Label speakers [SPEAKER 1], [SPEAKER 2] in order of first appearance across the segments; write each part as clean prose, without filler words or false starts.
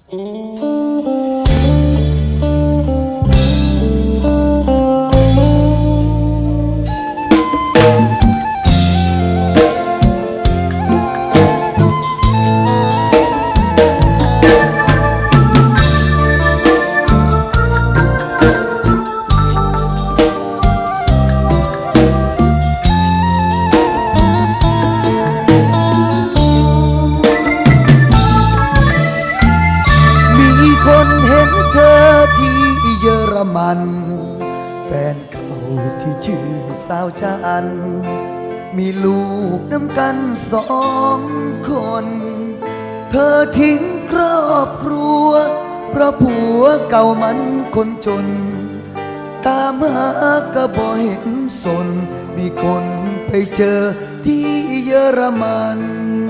[SPEAKER 1] แฟนเก่าที่ชื่อสาวจันมีลูกน้ำกัน2 คนเธอทิ้งครอบครัวเพราะผัวเก่ามันคนจนตามหาก็บ่เห็นสนมีคนไปเจอที่เยอรมัน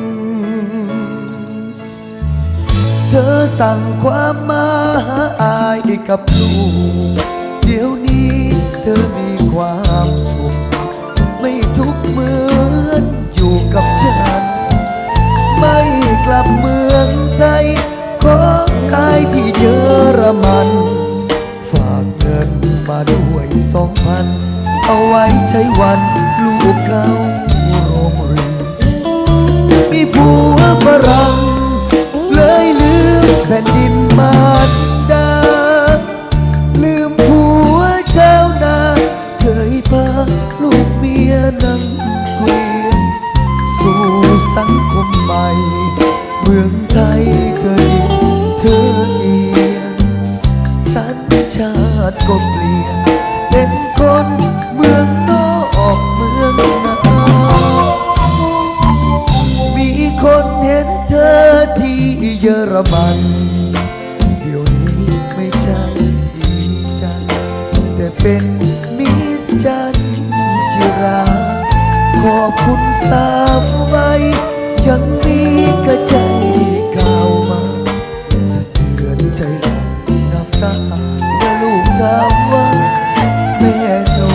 [SPEAKER 1] เธอสั่งความมาหาอายกับลูกเดี๋ยวนี้เธอมีความสุขไม่ทุกข์เหมือนอยู่กับฉันไม่กลับเมืองไทยขออายที่เยอรมันฝากเงินมาด้วย2,000เอาไว้ใช้วันลูกเข้าโรงเรียนมีผัวฝรั่งเลยลืมแผ่นดินมารดาลืมผัวเจ้านาเคยพาลูกเมียนั่งเกวียนสู่สังคมใหม่เมืองไทยเคยเธอเอียนสัญชาติก็เปลี่ยนเป็นคนเมืองนอกเมืองนามีคนเห็นเธอที่เยอรมันเดี๋ยวนี้ไม่ใช่ดีจันแต่เป็นมิสจันจิราขอบคุณสามไว้ยังมีกระใจข่าวมาสะเทือนใจหลับน้ำตาเมื่อลูกถามว่าแม่หนู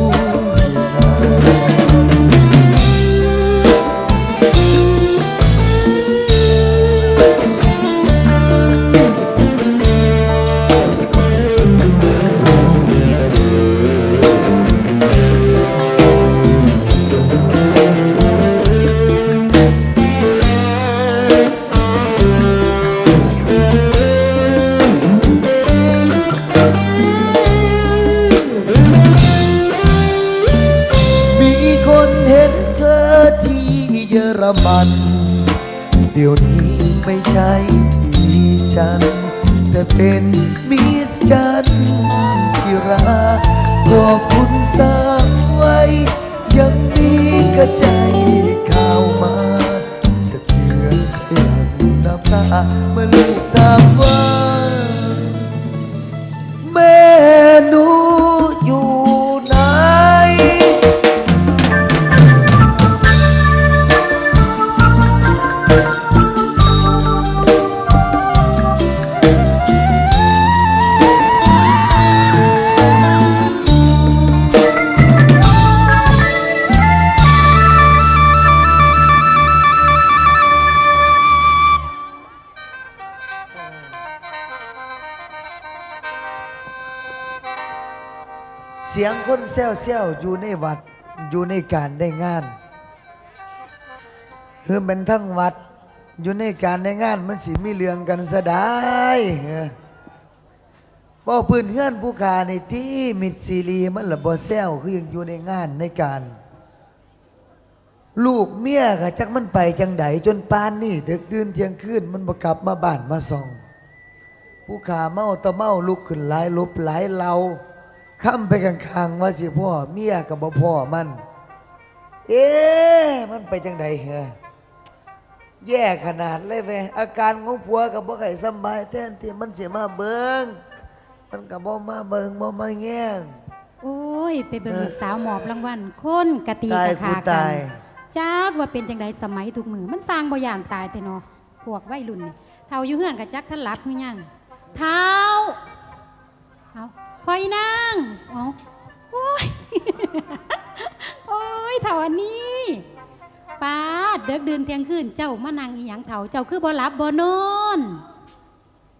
[SPEAKER 1] เยอรมันเดี๋ยวนี้ไม่ใช่ดีจันแต่เป็นมิสจันจิราขอบคุณสามไว้ยังมีกระใจข่าวมาสะเทือนใจหลั่งน้ำตาเมื่อลูกถามว่าแม่หนูอยู่ไหนเสียงคนแซวๆอยู่ในวัดอยู่ในการได้งานคือเป็นทั้งวัดอยู่ในการได้งานมันสิมีเรื่องกันซะได้บ่พื้นเฮือนผู้ขาในที่มิดซีรีมันละบ่แซวคือยังอยู่ในงานในการลูกเมียก็จักมันไปจังไดจนปานนี่ดึกดื่นเที่ยงคืนมันบ่กลับมาบ้านมาส่องผู้ขาเมาตะเมาลุกขึ้นหลายลบหลายเลาค้ำไปข้างๆว่าสิพ่อเมียกับบ่พ่อมันมันไปจังใดเหรอแย่ขนาดเลยเว้ยอาการของผัวกับบ่ไข่สบายแทนที่มันเสียมาเบิงมันกับบ่มาเบิงบ่มาแง่ง
[SPEAKER 2] โอ้ยไปเบิงสาวหมอบรางวัลคนกะตีกะขากันจักว่าเป็นจังใดสมัยทุกมือมันสร้างบ่ย่านตายแต่เนาะพวกวัยรุ่นนี่เฒ่าอยู่เฮือนกะจักท่านหลับหรือยังเฒ่าเอาคอยนั่งเอาโอ้ย โอ้ยเถ่าอันนี้ป้าเด็กเดินเที่ยงคืนเจ้ามานั่งอีหยังเถ่าเจ้าคือบ่หลับบ่นอน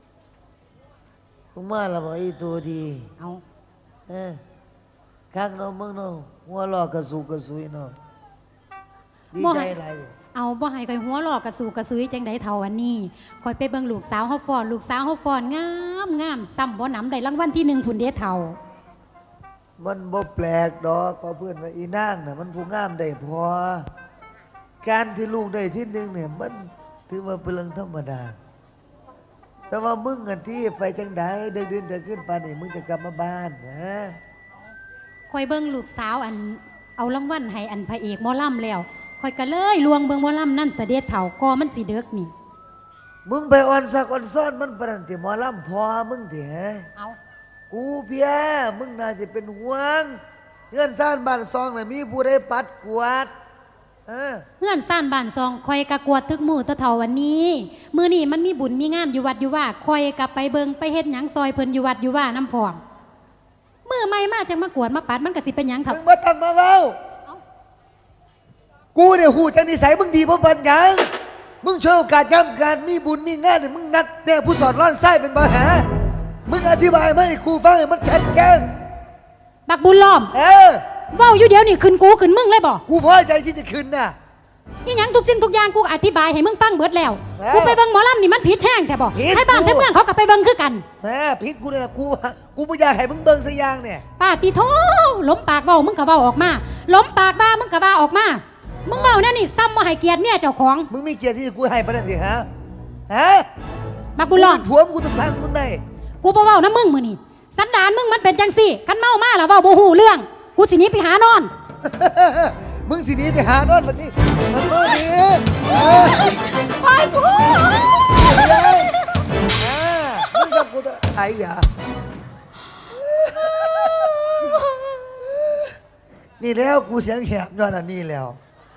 [SPEAKER 1] มึงมาและบ่อีตัวดี
[SPEAKER 2] เอา
[SPEAKER 1] ข้างน้องมึงเนาะหัวลอกกระสูกระสุยเนาะดีใจอะไร
[SPEAKER 2] เอาบ่ให้ข่อยหัวหลอกกระสูกระซุยจังไดเท่าอันนี้ข่อยไปเบิ่งลูกสาวเฮาฟ้อนลูกสาวเฮาฟ้อนงามงามซ้ำบ่หนำได้รางวัลที่1พุ่นเด้เท่า
[SPEAKER 1] มันบ่แปลกดอกเพราะเพื่อนว่าอีนางน่ะมันผู้งามได้พอการที่ลูกได้ที่หนึ่งเนี่ยมันถือว่าเป็นเรื่องธรรมดา แต่ว่ามึงกันที่ไปจังไดเดินเดินขึ้นไปนี่มึงจะกลับมาบ้านนะ
[SPEAKER 2] ข่อยเบิ่งลูกสาวอันเอารางวัลให้อันพระเอกหมอลำแล้วข่อยก็เลยลวงเบิ่งหมอลำนั่นเสด็จเถ่าก็มันสิเด็กนี่
[SPEAKER 1] มึงไปอ่อนสักอ่อนซ้อนมันปรันติหมอลำพอมึงเถอะ
[SPEAKER 2] เอา
[SPEAKER 1] กูเพียมึงน่าจะเป็นห่วงเงื่อนซ่านบ้านซองน่ะมีผู้ใดปัดกวาด
[SPEAKER 2] เพื่อนซ่านบ้านซองข่อยกะกวดทึกมือตะเถ่าวันนี้มื้อนี้มันมีบุญมีงามอยู่วัดอยู่ว่าข่อยกะไปเบิ่งไปเฮ็ดหยังซอยเพิ่นอยู่วัดอยู่ว่าน้ำพองมื้อใหม่มาจังมากวดมาปัดมันก็สิเป็นหยังทับ
[SPEAKER 1] มึงมาตั้งมาเว้ากูเนี่ยหูจังนิสัยมึงดีเพราะบันยังมึงช่วยโอกาสย้ำการมีบุญมีงานเนี่ยมึงนัดเนี่ยผู้สอนร้อนไส้เป็นปัญหามึงอธิบายมาให้ครูฟังให้มันชัดแจ้ง
[SPEAKER 2] บักบุญล้อม เว้าอยู่เดี๋ยวนี่ขึ้นกูขึ้นมึงเลยบ่
[SPEAKER 1] กูพอใจที่จะคืนน่ะ
[SPEAKER 2] นี่หยังทุกสิ่งทุกอย่างกูอธิบายให้มึงฟังเบิดแล้ว
[SPEAKER 1] เอ้ย
[SPEAKER 2] กูไปเบิ่งหมอลำนี่มันผิดแท้งแท้บ่
[SPEAKER 1] ผิด
[SPEAKER 2] ให้บ้าน
[SPEAKER 1] กู
[SPEAKER 2] ให้เมืองเขาก็ไปเบิ่งคือกัน
[SPEAKER 1] แหมพิษกูเนี่ยกูไม่อยากให้มึงเบิ่งสักอย่างเนี่ย
[SPEAKER 2] ป้าติโทล้มปากเว้ามึงก็เว้าออกมาล้มปากบ้ามึงก็ว่าออกมามึงเว้าแน่นี่ซ้ำบ่ให้เกียรติเมียเจ้าของ
[SPEAKER 1] มึงมีเกียรติที่กูให้ประเด็นดิฮะ
[SPEAKER 2] บักบุญล้อม
[SPEAKER 1] กูเป็นผัวมึงกูต้องสร้างมึงได้
[SPEAKER 2] กูบ่เว้านะมึงมื้อนี้สันดานมึงมันเป็นจังซี่คันเมามาแล้วเว้าบ่ฮู้เรื่องกูสิหนีไปหานอน
[SPEAKER 1] มึงสิหนีไปหานอนบัดนี้มันก็ดี
[SPEAKER 2] ไปกู
[SPEAKER 1] มึงกับกูจะไอ้ยานี่แล้วกูเสียงแหบย้อนอันนี้แล้ว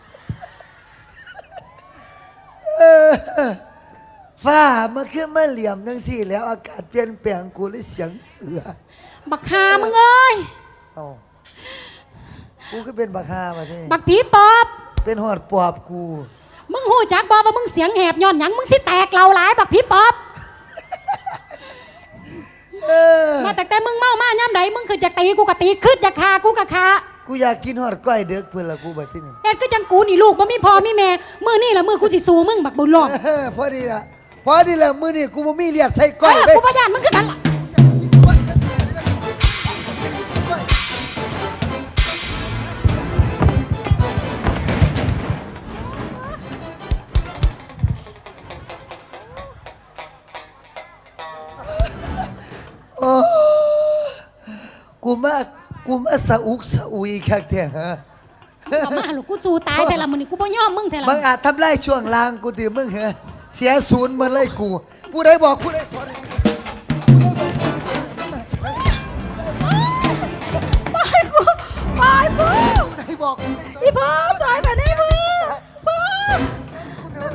[SPEAKER 1] ฟ้ามันขึ้นมาเหลี่ยมนังสี่แล้วอากาศเปลี่ยนแปลงกูเลยเสียงเสือ
[SPEAKER 2] บักหามึงเอ้ย
[SPEAKER 1] เอากูก็เป็นบักฮามาที่
[SPEAKER 2] บักผีปอบ
[SPEAKER 1] เป็นหอดปอบกู
[SPEAKER 2] มึงหูจักบ่ว่ามึงเสียงแหบย้อนหยังมึงสิแตกเหล่าหลายบักผีปอบมาแต่มึงเมามาย่ำใดมึงคือจะตีกูก็ตีขึ้นจะฆ่ากูก็ฆ่า
[SPEAKER 1] กูอยากกินหอดก้อยเด็กเพื่อนละกูบัดที่นี่
[SPEAKER 2] เอ็ดก็จังกูนี่ลูกบ่มีพ่อมีแม่มือนี่ละมือกูสิสู้มึงบักบุญหลอก
[SPEAKER 1] พอดีละพอดีละมือนี่กูบ่มีเลียดใส่ก้อย
[SPEAKER 2] กูบ่ย่านมึงคือกันล่ะ
[SPEAKER 1] โอ้กูมาสะอุกสะอุยคักแท้ฮะ
[SPEAKER 2] เอามาลูกกูสู้ตายแต่ละมื้อนี่กูบ่ยอมมึงแต่ละ
[SPEAKER 1] บางอาจทำลายช่วงล่างกูติมึงเหรอเสียศูนย์มาเลยกูผู้ใดบอกผู้ใดสอน
[SPEAKER 2] ไปกูไปกู
[SPEAKER 1] ผู้ใดบอกผู้ใดสอน
[SPEAKER 2] อีพ่อสายแบบนี้มึงพ่อ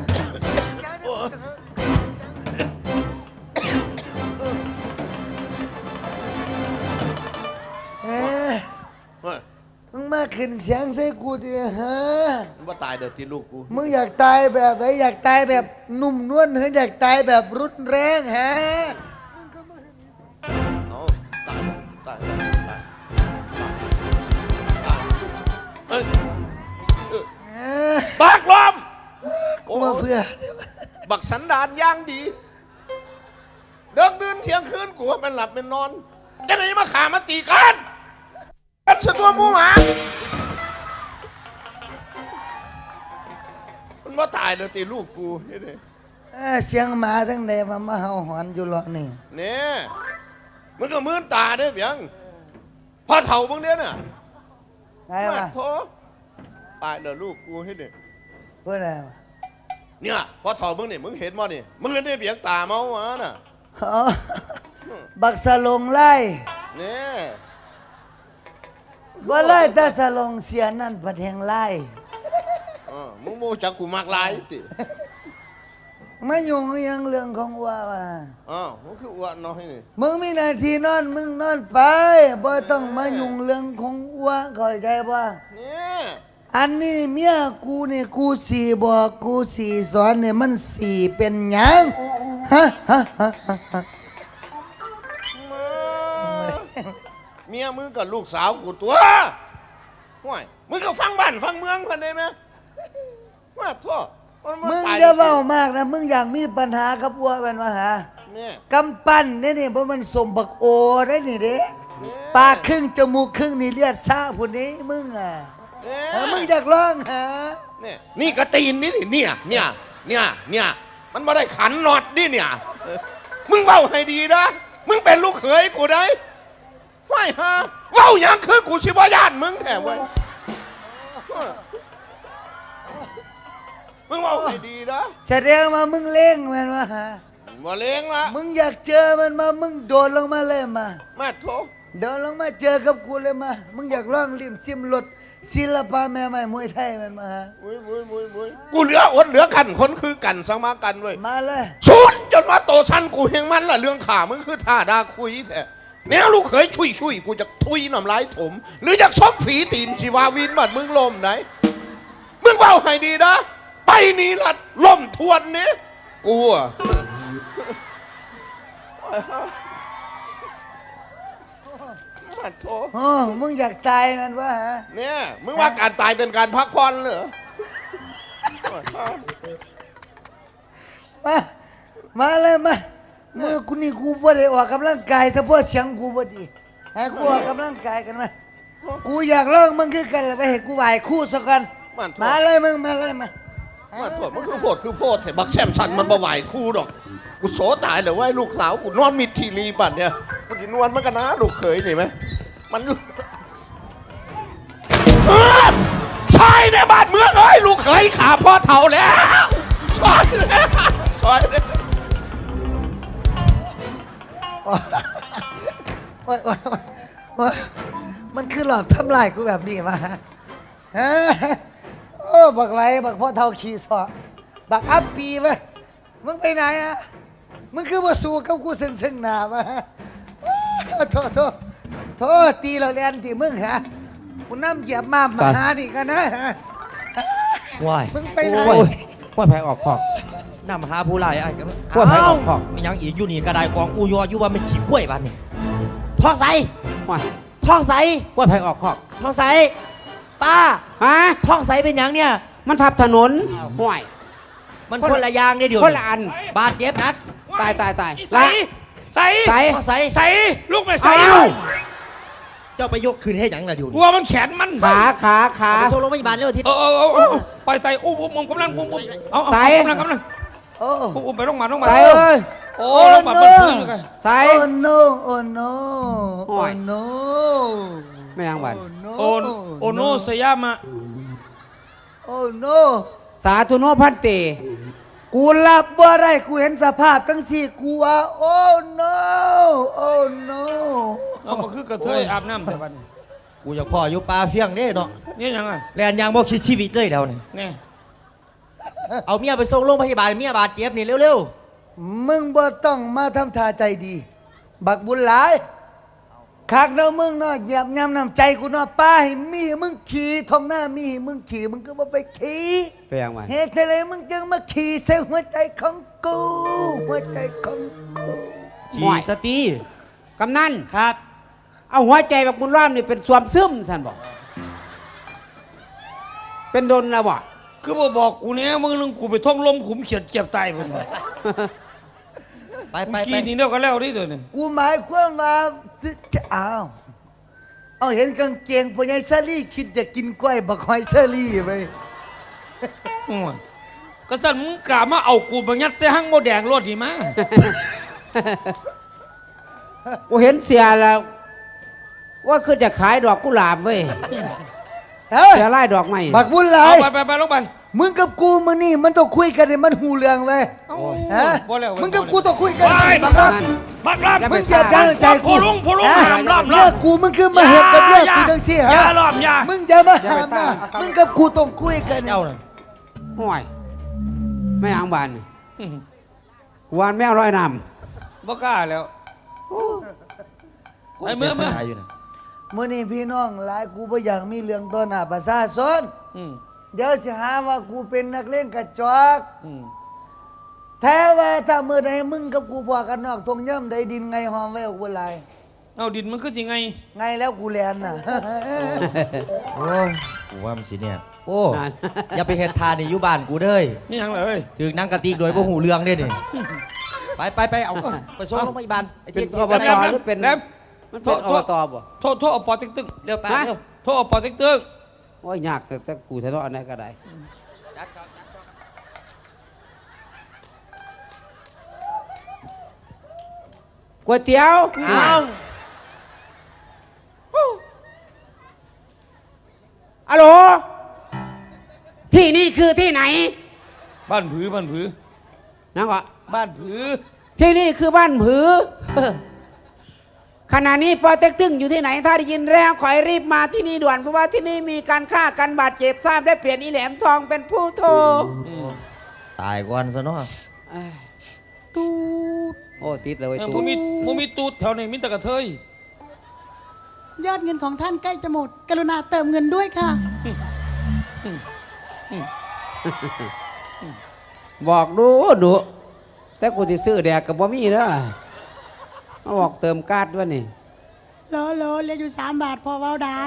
[SPEAKER 1] เอ๊ะ
[SPEAKER 3] เฮ้ย
[SPEAKER 1] มึงมาขึ้นเสียงใส่กูดิฮะ
[SPEAKER 3] มึงว่าตายเดี๋ยวตีลูกกู
[SPEAKER 1] มึงอยากตายแบบไหนอยากตายแบบนุ่มนวลหรืออยากตายแบบรุนแรงฮะ
[SPEAKER 3] เอาตายตายตายตายเอ้ยบักลม
[SPEAKER 1] กูมาเพื่อ
[SPEAKER 3] บักสันดานย่างดี เดิกดื่นเที่ยงคืนกูว่ามันหลับมันนอนจะไหนมาขามาตีกันกันสะตัวหมูหมามันว่าตายเดี๋ยวตีลูกกูเฮ้ย
[SPEAKER 1] เสียงหมาทั้งใดมาเห่าหอนอยู่หรอนี่
[SPEAKER 3] เนี่ยมันก็มืนตาเด้อเพียงพอเถ่ามึงเนี่ยน่ะ
[SPEAKER 1] ไงวะ
[SPEAKER 3] โถตายเดี๋ยวลูกกูให้เด็ก
[SPEAKER 1] เพื่ออะไรวะ
[SPEAKER 3] เนี่ยพอเถ่ามึงเนี่ยมึงเห็นมั้ยนี่มึงเห็นได้เพียงตาเมามาน่ะ
[SPEAKER 1] อ๋อบักสลงไล่
[SPEAKER 3] เนี่ย
[SPEAKER 1] ว่าไล่แต่สลงเสียนั่นประเทงไล่
[SPEAKER 3] มึงโมจักกูมากลายติ
[SPEAKER 1] ไม่ยุ่งยังเรื่องของว่าว่ะ
[SPEAKER 3] มึงคืออ้วนน้อยนี่
[SPEAKER 1] มึงมีหน้าที่นอนมึงนอนไปบ่ต้องมายุ่งเรื่องของอ้วเข้าใจป่ะ
[SPEAKER 3] เนี่ย
[SPEAKER 1] อันนี้เมียกูนี่กูสีบอกกูสีสอนเนี่ยมันสีเป็นหยังฮะ
[SPEAKER 3] เมียมึงกับลูกสาวกูตัวห่วยมึงก็ฟังบ้านฟังเมืองกันได้ไหมว่าโทษ
[SPEAKER 1] มึงอย่าเว้ามากนะมึงอยากมีปัญหากับวัวมันมาหา
[SPEAKER 3] เนี่ย
[SPEAKER 1] กำปั้นนี่เพราะมันสมบักโอได้นี่เด้ปากครึ่งจมูกครึ่งนี่เลือดชาผู้นี้มึงอ่ะมึงอยากร้องหา
[SPEAKER 3] เนี่ยนี่กระตีนนี่เนี่ยมันไม่ได้ขันน็อตนี่เนี่ยมึงเว้าให้ดีนะมึงเป็นลูกเขยกูได้ไม่ฮะเว้าอย่างคือกูชิบญาติมึงแท้เว้ยมึงเว้าให้ดีนะ
[SPEAKER 1] แสดงมามึงเล่งมันมาหา
[SPEAKER 3] มาเลี้ยงละ
[SPEAKER 1] มึงอยากเจอมันมามึงโดดลงมาเลยมา
[SPEAKER 3] มาโถ
[SPEAKER 1] เดินลงมาเจอกับกูเลยมามึงอยากร้องริมซิมรถศิลปะแม่ใหม่มวยไทยมันมาหา
[SPEAKER 3] มุยกูเหลืออดเหลือกันคนคือกันสมากันเว้ย
[SPEAKER 1] มาเลย
[SPEAKER 3] ชุนจนมาโตสั้นกูเฮงมันล่ะเรื่องข่ามึงคือท่าดาคุยแท้แนวลูกเขยชุยกูจะทุยน้ำลายถม หรืออยากซ้อมฝีตีนชีวาวินบัดมึงลมไหนมึงเว้าให้ดีนะไปนี่ละล่มทวนนี้กูอะมาโถ
[SPEAKER 1] โอ้มึงอยากตายมันวะฮะ
[SPEAKER 3] เนี่ยมึงว่าการตายเป็นการพักผ่อนเหรอ
[SPEAKER 1] มามาเลยมามือกูนี่กูบ่ได้ออกกำลังกายแต่เพราะเสียงกูบ่ดีให้กูออกกำลังกายกันมากูอยากร้องมึงคือกันเลยไปให้กูไหวคู่สักกันมาเลยมึงมาเลยมา
[SPEAKER 3] มันโพดมันคือโพดแต่บักแซมสันมันบ่ไหวคู่ดอกกูโสตายเลยว่าลูกสาวกูนอนมิดทีรีบัดเนี่ยมันกินนวลมันกันนะลูกเขยนี่ไหมมันใช่ในบ้านเมืองเอ้ยลูกเขยขาพ่อเท่าแล้วใช่แล้วใช่แล้ว
[SPEAKER 1] โอ้ยมันคือหลอกทำลายกูแบบนี้มาฮะโอ้บักไรบักพ่อเท่าขี่สอบักอัปปีมามึงไปไหนอะมึงคือว่าสู้กับกูซึ่งหน้ามาโทษตีเราเรียนที่มึงฮะกูน้ำเหยียบมาหานี่กันนะฮะ
[SPEAKER 4] ว้าย
[SPEAKER 1] มึงไปไหน
[SPEAKER 4] โอ้ยว่าแพ้ออกขอกนำหาผู้ร้ายไอ้ว่าแพ้ออกขอกมียังอีกอยู่นี่กระไดกองอูยออยู่ว่ามันขี้กล้วยบ้านนี่ท้องใส
[SPEAKER 5] ว่า
[SPEAKER 4] ท้องใส
[SPEAKER 5] ว่าไผออกคอก
[SPEAKER 4] ท้องใสป้า
[SPEAKER 5] ฮะ
[SPEAKER 4] ท้องใสเป็นหยังเนี่ย
[SPEAKER 5] มันทับถนนห่วย
[SPEAKER 4] มันคนละอยางเนี่ยเดี๋ยว
[SPEAKER 5] คนละอัน
[SPEAKER 4] บาดเจ็บนัก
[SPEAKER 5] ตาย
[SPEAKER 6] ใส่ใส่
[SPEAKER 5] ใส่
[SPEAKER 4] ท้องใส
[SPEAKER 6] ใส่ลูกไม่ใส่
[SPEAKER 5] อ้าว
[SPEAKER 4] เจ้าไปยกคืนให้หยังล่ะเดี๋ยว
[SPEAKER 6] กลัวมันแขนมัน
[SPEAKER 5] ขา
[SPEAKER 4] เอาไปส่งโรงพยาบาลเร็วที
[SPEAKER 6] ปล่อยไตอุ้มกำลังอุ้มเอากำลัง
[SPEAKER 1] โอ้
[SPEAKER 6] อุ้มไปโรงพยาบาล
[SPEAKER 5] ใส่เอ้ย
[SPEAKER 6] โอ้โรงพยาบาลเพื่อนกัน
[SPEAKER 5] ใส่
[SPEAKER 1] โอ้ no โอ้ no
[SPEAKER 5] โอ้
[SPEAKER 1] โอ้
[SPEAKER 5] ย
[SPEAKER 1] no
[SPEAKER 5] ไม่ยังบัน
[SPEAKER 6] โอโนสยามะ
[SPEAKER 1] โอ้ no
[SPEAKER 5] สาธุโนพันเต
[SPEAKER 1] กูรับบ่ได้กูเห็นสภาพทั้งสี่กูว่าโอ้ no โอ้ no
[SPEAKER 6] เอามาคือกระเทยอาบน้ำแต่วัน
[SPEAKER 4] กูอยากพ่ออยู่ปลาเฟียงเด้เนาะ
[SPEAKER 6] นี่ยังไง
[SPEAKER 4] แลนยางบ่คิดชีวิตเลยเดี๋ยวนี่
[SPEAKER 6] นี่
[SPEAKER 4] เอาเมียไปส่งโรงพยาบาลเมียบาดเจ็บนี่เร็ว
[SPEAKER 1] มึงบ่ต้องมาทำท่าใจดี บักบุญหลายคักเนาะมึงเนาะเหยียบย่ำน้ำใจกูเนาะป้าให้มีให้มึงขี่ท้องหน้ามีให้มึงขี่มึงก็บ่ไปขี่
[SPEAKER 5] ไปยังบัน
[SPEAKER 1] เหตุใดมึงจึงมาขี่ใส่หัวใจของกูหัวใจของกู
[SPEAKER 4] ๆฉีสตี
[SPEAKER 5] กำนัน
[SPEAKER 4] ครับ
[SPEAKER 5] เอาหัวใจแบบบุญร่ามนี่เป็นสวมซึมสันบอกเป็นดนแล้วบ่
[SPEAKER 6] คือบอกกูเนี่ยมึงนึงกูไปท่องลมขุมเขียดเจ็บตายมัน
[SPEAKER 4] ไป
[SPEAKER 6] ขี่นี่เดียวก็แล้วนี่เดี๋ยวนี้
[SPEAKER 1] กูหมายความว่าจะเอาเห็นกางเกงพญายเชอรี่คิดจะกินกล้วยบักหอยเชอรี่ไป
[SPEAKER 6] ก็สั่นมึงกล้ามาเอากูมายัดใส่ห้างโมแดงรถดีมา
[SPEAKER 5] กูเห็นเสียแล้ว ว่าคือจะขายดอกกุหลาบเว้ย
[SPEAKER 1] เฮ้ย
[SPEAKER 5] เสียไล่ดอกไม้
[SPEAKER 1] บักบุญหลา
[SPEAKER 6] เอา
[SPEAKER 1] ย
[SPEAKER 6] ไปโรงพยาบาล
[SPEAKER 1] มึงกับกูมึงนี่มันต้องคุยกันให้มันหูเรื่องไปฮะ
[SPEAKER 6] บ่แล้ว
[SPEAKER 1] มึงกับกูต้องคุยกัน
[SPEAKER 6] ไปบักลาบักลา
[SPEAKER 5] อย่า
[SPEAKER 1] มึ
[SPEAKER 5] ไป
[SPEAKER 1] งอย่าจ้างใจกู
[SPEAKER 6] ผู้ลุงล้อม
[SPEAKER 1] เรื่องกูมึงคือมาเห็นกับเรื่องกูจังซี่
[SPEAKER 6] อย่า
[SPEAKER 1] ฮะ
[SPEAKER 6] ล้อมอย่า
[SPEAKER 1] มึงอย่ามาห้ามนะมึงกับกูต้องคุยกัน
[SPEAKER 4] เจ้าน่ะ
[SPEAKER 5] ห่วยไม่ยังบันวานแมวร้อยน้
[SPEAKER 6] บ่กล้าแล้ว
[SPEAKER 4] คน
[SPEAKER 6] ไอ้เมื่
[SPEAKER 4] เจ็
[SPEAKER 6] อ
[SPEAKER 4] บสายอยู่นะ
[SPEAKER 1] มื้อนี้พี่น้องหลายกูบ่อยากมีเรื่องต้นหน้าประชาชนเดี๋ยวจะหาว่ากูเป็นนักเลงกระจอกแท้ว่าถ้าเมื่อใดมึงกับกูพอกันนอกตรงย่ำใดดินไงหอมไว้อกบุญหลาย
[SPEAKER 6] เอาดินมันคือสิไง
[SPEAKER 1] ไงแล้วกูแลนน่ะ
[SPEAKER 4] โอ้ยกูว่ามันสิเนี่ยโอ้
[SPEAKER 5] นั่น
[SPEAKER 4] อย่าไปเฮ็ดทานนี่อยู่บ้านกูเด้ย
[SPEAKER 6] นี่ยังเลย
[SPEAKER 4] ถึงนั่งกะติกโดยบ่หูเรื่องเด้นี่ไปเอาไปส่งโรงพยาบาลไอ้
[SPEAKER 5] เป็
[SPEAKER 4] ที่
[SPEAKER 5] นอบตหรือเป็น
[SPEAKER 6] แหลม
[SPEAKER 5] มันเป็นอบตบ่
[SPEAKER 6] โทษเอาปอติ๊กตึ้ง
[SPEAKER 4] เร็วไป
[SPEAKER 5] ฮะ
[SPEAKER 4] เร็ว
[SPEAKER 6] โทษเอาปอติ๊กตึ้ง
[SPEAKER 5] โอ้ยยากแต่กูทะเลาะอันนั้นก็ได้ก๋วยเตี๋ยว
[SPEAKER 4] อ้าว
[SPEAKER 5] อะโหลที่นี่คือที่ไหน
[SPEAKER 6] บ้านผือบ้านผือ
[SPEAKER 5] นะก็
[SPEAKER 6] บ้านผือ
[SPEAKER 5] ที่นี่คือบ้านผือ ขณะนี้ปอเต็กตึงอยู่ที่ไหนถ้าได้ยินแล้วขอให้รีบมาที่นี่ด่วนเพราะว่าที่นี่มีการฆ่ากันบาดเจ็บทราบได้เปลี่ยนอีแหลมทองเป็นผู้โทร
[SPEAKER 4] ตายก่อนซะเนาะ
[SPEAKER 5] ตูดโอ้ติดเลย
[SPEAKER 6] เออ
[SPEAKER 5] ตู
[SPEAKER 6] บ่
[SPEAKER 5] ด
[SPEAKER 6] มีตูดแถวนี้มีแต่กระเทย
[SPEAKER 7] ยอดเงินของท่านใกล้จะหมด กรุณาเติมเงินด้วยค่ะ
[SPEAKER 5] บอกดูดูแต่กูจะซื้อแดกกับบ่มีเด้อมาบอกเติมการ์ดด้วยนี่
[SPEAKER 7] โลโลเหลืออยู่3 บาทพอเว้าได้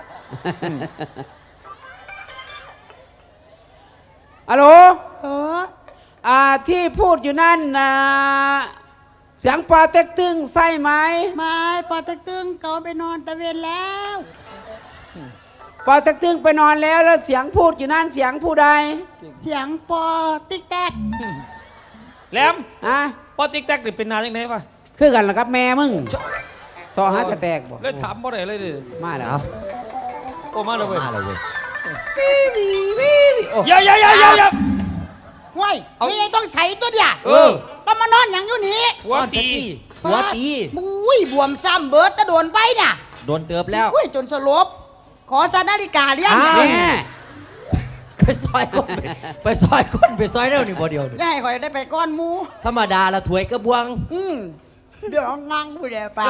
[SPEAKER 5] อะโหล
[SPEAKER 7] เออ
[SPEAKER 5] ที่พูดอยู่นั่นนะเสียงปอเต็กตึงใช่ไหม
[SPEAKER 7] ไม่ปอตึกตึงเขาไปนอนตะเวนแล้ว
[SPEAKER 5] ปอเต็กตึงไปนอนแล้วแล้วเสียงพูดอยู่นั่นเสียงผู้ใด
[SPEAKER 7] เสียงปอติ๊กแตก
[SPEAKER 6] แหลม
[SPEAKER 5] ฮะ
[SPEAKER 6] ปอติ๊กแตกนี่เป็นนานยังไงวะ
[SPEAKER 5] คือกันเหรอครับแม่มึงซอหาจะแตกบ่
[SPEAKER 6] เลยถามบ่ได้เลยดิ
[SPEAKER 5] มาแล้ว
[SPEAKER 4] เอา
[SPEAKER 6] โอ้มาเลยเว้ย
[SPEAKER 4] มาเลยเว้ย
[SPEAKER 5] โอ้
[SPEAKER 6] อย่า
[SPEAKER 7] ห้วย
[SPEAKER 6] เอา
[SPEAKER 7] นี่ต้องใส่ตัวเดียว
[SPEAKER 6] เออ
[SPEAKER 7] ก็มานอนอย่างอยู่นี่
[SPEAKER 6] หัวตี
[SPEAKER 4] หัวตี
[SPEAKER 7] มุ้ยบวมซ้ำเบิร์ดตะโดนไปน่ะ
[SPEAKER 4] โดนเติบแล้ว
[SPEAKER 7] อุ้ยจนสลบ ขอสานาฬิกาเลี้ยง
[SPEAKER 5] อ้าว
[SPEAKER 7] แม่
[SPEAKER 5] แม่
[SPEAKER 4] ไปซอยคนไปซอยคนไปซอยเร็วนี่บ่เดียวนี่
[SPEAKER 7] ได้คอยได้ไปก้อนหมู
[SPEAKER 4] ธรรมดาละถวยกระบวง
[SPEAKER 7] เดี๋ยวนั่งผู้เดียวปาก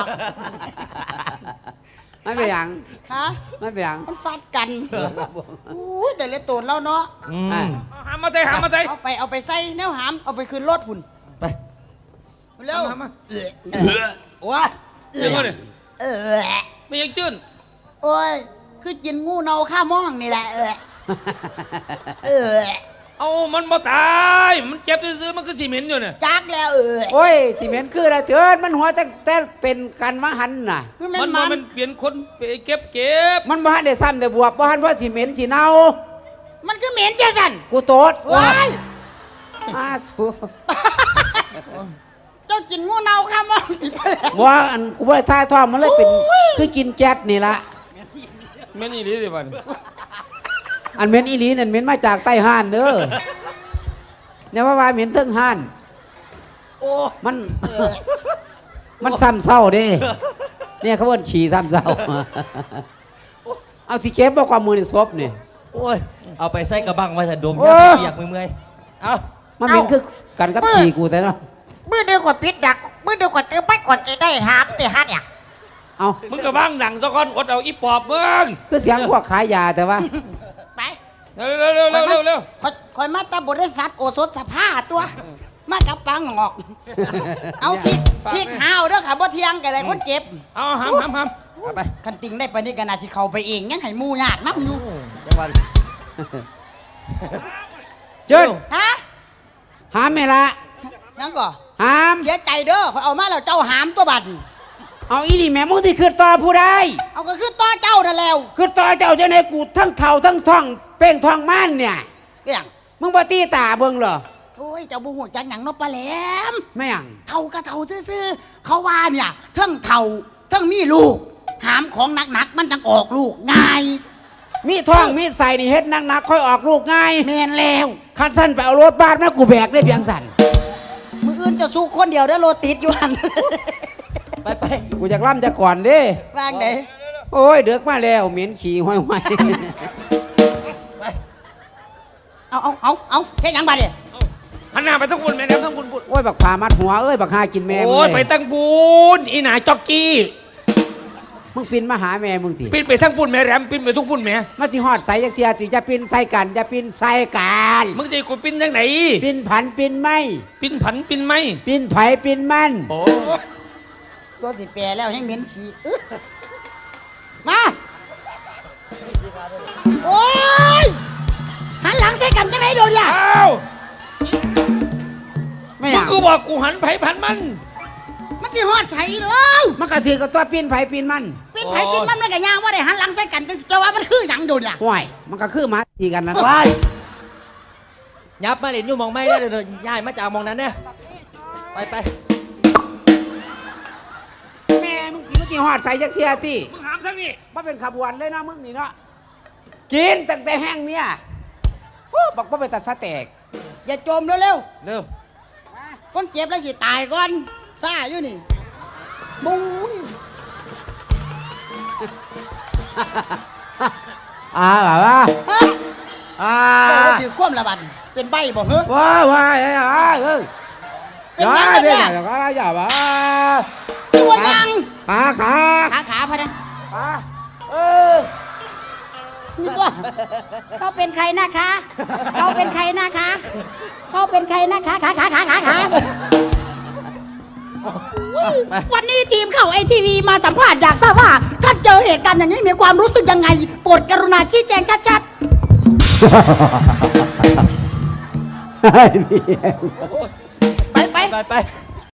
[SPEAKER 5] ไม่เป็นหยัง
[SPEAKER 7] ฮะ
[SPEAKER 5] ไม่เป็นหยัง
[SPEAKER 7] มันฟัดกันอุ้ยแต่เละตัวแล้วเนาะ
[SPEAKER 4] อื
[SPEAKER 5] อ่ะ
[SPEAKER 4] ม
[SPEAKER 6] หามาใจ
[SPEAKER 7] เอาไปใส่แนวหาม เอาไปคืนรถหุ่น
[SPEAKER 4] ไป
[SPEAKER 7] เร็ว
[SPEAKER 6] มา
[SPEAKER 4] ว้า
[SPEAKER 6] ยังไงเนี่ย
[SPEAKER 7] เออ
[SPEAKER 6] ไม่ยังจื้น
[SPEAKER 7] โอ้ย คือกินงูเนาข้ามองนี่แหละ เออ
[SPEAKER 6] เอามันบ่ตายมันเจ็บซื้อๆมันคือสีเหม็นอยู่เนี่ย
[SPEAKER 7] จักแล้ว
[SPEAKER 5] โอ้ยที่เหม็นคืออะไรเถิดมันหัวแต่เป็นกันมหันน่ะ
[SPEAKER 6] มันเปลี่ยนคนไปเก็บ
[SPEAKER 5] มันบ่หันได้ซ้ำแต่บวบบ่หันเพราะสิเหม็นสิเน่า
[SPEAKER 7] มันก็เหม็นจ้ะสัน
[SPEAKER 5] กูโตด
[SPEAKER 7] ว้าย
[SPEAKER 5] สู
[SPEAKER 7] เจ้ากินงูเนาข้ามองติดไปแล้ว
[SPEAKER 5] ว่าอันกูบ่ได้ท่าท้องมันเลยเป็นคือกินแก๊สนี่ละ
[SPEAKER 6] แม่นอี่ลีดิบัน
[SPEAKER 5] อันเหม็นอีหลีนั่นเหม็นมาจากใต้ห้านเด้อเนี่ยว่าเหม็นเทิงห้าน
[SPEAKER 4] โอ้
[SPEAKER 5] มัน มันซ้ำเศร้าเด้เนี่ยเขาเอิ้นฉี่ซ้ำเศร้า เอาสิเก็บบ่ความมือในศพนี่
[SPEAKER 4] โอ้ยเอาไปใส่กระบังไว้ถ้าดม
[SPEAKER 5] โอ้
[SPEAKER 4] ยาเปียกเมื่อยๆเอา
[SPEAKER 5] มันเหม็นคือกันกับฉี่กูแต่เนาะ
[SPEAKER 7] มือเดียวกว่าปิดดักมือเดียวกว่าเติมไปก่อนจะได้หามแต่ฮัทเนี่ย
[SPEAKER 5] เอา
[SPEAKER 6] มึงกับบ้างหนังซะก่อนอดเอาอีปอบเบิ้ง
[SPEAKER 5] คือเสียงพวกขายยาแต่ว่า
[SPEAKER 7] ไป
[SPEAKER 6] เร็ว
[SPEAKER 7] คอยมาตาบริษัทโอสถสภาตัว มากับปังหอก เอาทิกหาวเด้อค่ะบ่เที่ยงกันเลยคนเจ็บ
[SPEAKER 6] เอาหาม
[SPEAKER 4] เอาไป
[SPEAKER 7] คันติงได้ปานนี้ก็น่าสิเข้าไปเองยังให้หมู่ยากนำอยู่
[SPEAKER 4] จังหวัด
[SPEAKER 5] เจิ้น
[SPEAKER 7] ฮะ
[SPEAKER 5] หามแม่ละ
[SPEAKER 7] ยังก่อ
[SPEAKER 5] หาม
[SPEAKER 7] เสียใจเด้อขอยเอามาแล้วเจ้าหามตัวบัด
[SPEAKER 5] เอาอีนี่แม่มึงที่คือต่อผู้ใด
[SPEAKER 7] เอาก็คือต่อเจ้านั่นแล้ว
[SPEAKER 5] คือต่อเจ้าเจ้าในกูทั้งเท่าทั้งท่องเป้งท่องม่านเนี่ย
[SPEAKER 7] เรื่อง
[SPEAKER 5] มึงบ่ตีตาเบิ่งเหรอ
[SPEAKER 7] โอ้ยเจ้าบ่ฮู้จักหยังเนาะปลาแหลม
[SPEAKER 5] ไม่หยัง
[SPEAKER 7] เท่าก็เท่าซื่อๆเขาว่าเนี่ยเทั้งเท่าเทั้งมีลูก หามของหนักๆมันจังออกลูกง่าย
[SPEAKER 5] มีท่องมีใส่นี่เฮ็ดนักๆค่อยออกลูกง่าย
[SPEAKER 7] แม่นแล้ว
[SPEAKER 5] คันสั้นไปเอารถบ้านมากูแบกได้เพียงสั่น
[SPEAKER 7] มืออื่นจะสู้คนเดียวได้อโลติดอยู่หัน
[SPEAKER 4] ไป
[SPEAKER 5] กูอยากล่ำจะก่อนเด้
[SPEAKER 7] ว่างไหน
[SPEAKER 5] โอ้ยเดือกมาแล้วเหม็นขี้ห้อย
[SPEAKER 7] เอาแค่ยังบัดเนี่ย
[SPEAKER 6] หันหน้าไปทั้งบุญแม่แหลมทั้งบุญ
[SPEAKER 5] ๆโอ้ยบักผามัดหัวเอ้ยบักหากินแม่มึง
[SPEAKER 6] โอ้ย
[SPEAKER 5] เล
[SPEAKER 6] ไป
[SPEAKER 5] ย
[SPEAKER 6] ทั้งบุญอีหนาจ็อกกี้
[SPEAKER 5] มึงปินมาหาแม่มึงติ
[SPEAKER 6] ปิ้นไปทั้งบุญแม่แหลมปิ้นไปทุกบุญแม่
[SPEAKER 5] มาสิฮอดใส่จักเทียติจะปินใส่กันจะปินใส่กัน
[SPEAKER 6] มึงจะกูปิ้นยังไหน
[SPEAKER 5] ปินผันปินไม่
[SPEAKER 6] ปิ้นผันปิ้นไหม
[SPEAKER 5] ปินไผปินมัน
[SPEAKER 6] โอ้
[SPEAKER 7] สัวสิแปรแล้วให้เหม็นขี้อึ๊ะมาโอ้ยหันหลังใส่กันจังไหนโดนเนี่ย
[SPEAKER 6] อ้าว
[SPEAKER 5] ไม่
[SPEAKER 6] มึ
[SPEAKER 5] อง ยาก
[SPEAKER 6] ก็บอกกูหันไผพันมัน
[SPEAKER 7] มันสิฮอดใส่เลย
[SPEAKER 5] มันกระถือกับตัวปีนไผ่ปีนมัน
[SPEAKER 7] ปีนไผปีนมันมันก็ย่างว่าได้หันหลังใส่กันจะว่ามันคือหยังโดนเนี่ย
[SPEAKER 5] ห่วยมันก็คือหมาตีกันนะ
[SPEAKER 4] ไปยับมาเล่นอยู่หมองไม่ได้เดี๋ยวย้ายมาจากหมองนั้นเนี่ยไป
[SPEAKER 5] แม่มึงกินกี่หอดใส่จักเทียตี
[SPEAKER 6] มึงหามทั้งนี้
[SPEAKER 5] มาเป็นขบวนเลยนะมึงนี่เนาะกินตั้งแต่แห้งเนี่ยบอกว่าไปตัดสะแตก
[SPEAKER 7] อย่าจมเร็ว
[SPEAKER 4] เร็ว
[SPEAKER 7] ๆคนเจ็บแล้วสิตายก่อนซ่าอยู่นี่บุ้ย
[SPEAKER 5] แบบว่า
[SPEAKER 7] ฮะ
[SPEAKER 5] ว้า
[SPEAKER 7] ถือคว่ำละบันเป็นใบบ่เหรอ
[SPEAKER 5] ว้าเอ้ย
[SPEAKER 7] เป็นหยังวะเนี่ย
[SPEAKER 5] อย่าบ้า
[SPEAKER 7] ตัวยัง
[SPEAKER 5] ขา
[SPEAKER 7] ขาพะนะ
[SPEAKER 5] เออ
[SPEAKER 7] นี่ตัวเขาเป็นใครนะคะเขาเป็นใครนะคะเขาเป็นใครนะคะขาอุ๊ยวันนี้ทีมข่าวไอทีวีมาสัมภาษณ์อยากทราบว่าท่านเจอเหตุการณ์อย่างนี้มีความรู้สึกยังไงโปรดกรุณาชี้แจงชัดๆ ไป
[SPEAKER 4] ไป